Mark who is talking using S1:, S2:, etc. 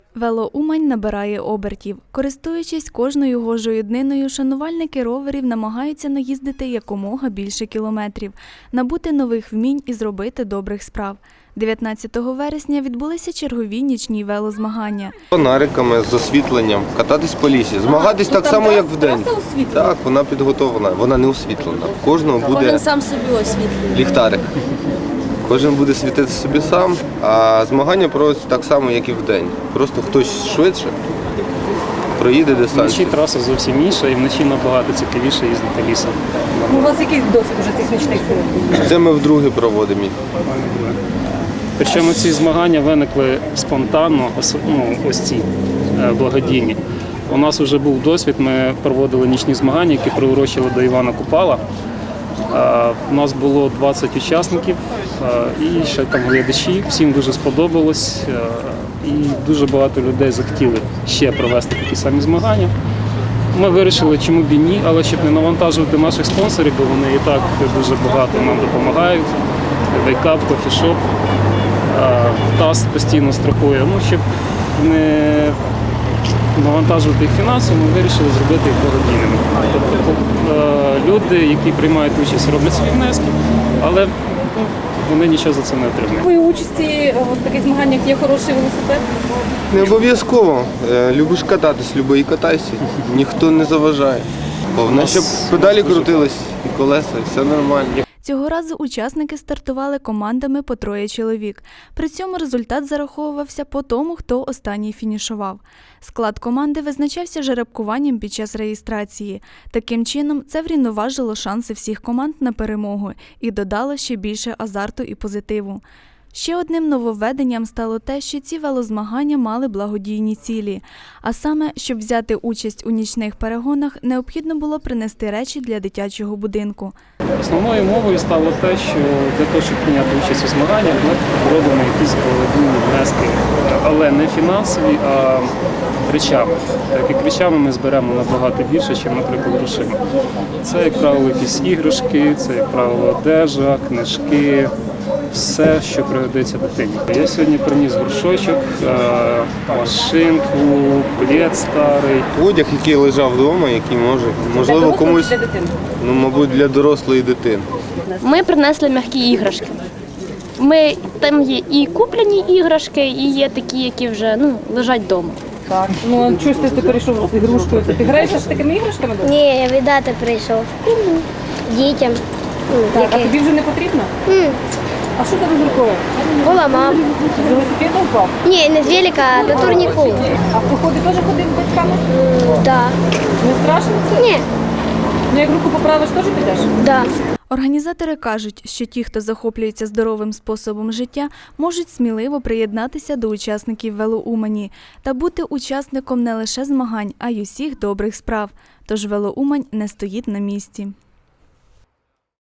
S1: Велоумань набирає обертів. Користуючись кожною гожою дниною, шанувальники роверів намагаються наїздити якомога більше кілометрів, набути нових вмінь і зробити добрих справ. 19 вересня відбулися чергові нічні велозмагання.
S2: Фонариками, з освітленням, кататись по лісі, змагатись так само, як вдень. Так, вона підготовлена, вона не освітлена. В кожного буде
S3: Кожен сам собі освітлює.
S2: ліхтарик. Кожен буде світити собі сам, а змагання проводяться так само, як і вдень. Просто хтось швидше проїде дистанцію.
S4: Вночі траса зовсім інша і вночі набагато цікавіше їздити лісом.
S5: У вас який досвід уже цих нічних турів?
S2: Це ми вдруге проводимо їх.
S4: Причому ці змагання виникли спонтанно, ось ці благодійні. У нас вже був досвід, ми проводили нічні змагання, які приурочили до Івана Купала. У нас було 20 учасників і ще там глядачі, всім дуже сподобалось і дуже багато людей захотіли ще провести такі самі змагання. Ми вирішили, чому б і ні, але щоб не навантажувати наших спонсорів, бо вони і так дуже багато нам допомагають. Вейкап, кофішоп, ТАСС постійно страхує. Щоб не навантажувати їх фінансово, ми вирішили зробити їх благодійними. Тобто люди, які приймають участь, роблять свої внески, але вони нічого за це не отримують.
S5: У участі в таких змаганнях є хороший велосипед?
S2: Не обов'язково. Любиш кататись, люби і катайся. Ніхто не заважає. Головне, щоб педалі крутились і колеса, і все нормально.
S1: Цього разу учасники стартували командами по 3 чоловік. При цьому результат зараховувався по тому, хто останній фінішував. Склад команди визначався жеребкуванням під час реєстрації. Таким чином, це врівноважило шанси всіх команд на перемогу і додало ще більше азарту і позитиву. Ще одним нововведенням стало те, що ці велозмагання мали благодійні цілі. А саме, щоб взяти участь у нічних перегонах, необхідно було принести речі для дитячого будинку.
S4: Основною мовою стало те, що для того, щоб прийняти участь у змаганнях, ми робимо якісь благодійні внески, але не фінансові, а речами. Так як речами ми зберемо набагато більше, ніж, наприклад, грошима. Це, як правило, якісь іграшки, це, як правило, одежа, книжки. Все, що пригодиться дитині. Я сьогодні приніс горшочок, машинку, плед старий.
S2: Одяг, який лежав вдома, який можливо комусь,
S5: для дитини?
S2: мабуть, для дорослої дитини.
S3: Ми принесли м'які іграшки. Там є і куплені іграшки, і є такі, які вже лежать вдома.
S5: Так. Ну, а чого ж ти перейшов з ігрушкою? Ти граєшся з такими іграшками?
S6: Ні, я віддати прийшов. Дітям.
S5: Так, а тобі вже не потрібно? А що тебе з рукою?
S6: Поламав.
S5: З велосипеда впав?
S6: Ні, не з велика, а до турніку.
S5: А в походи теж ходив з батьками?
S6: Так.
S5: Не страшно це?
S6: Ні.
S5: Ну, як руку поправиш, теж підеш?
S6: Да.
S1: Організатори кажуть, що ті, хто захоплюється здоровим способом життя, можуть сміливо приєднатися до учасників Велоумані та бути учасником не лише змагань, а й усіх добрих справ. Тож Велоумань не стоїть на місці.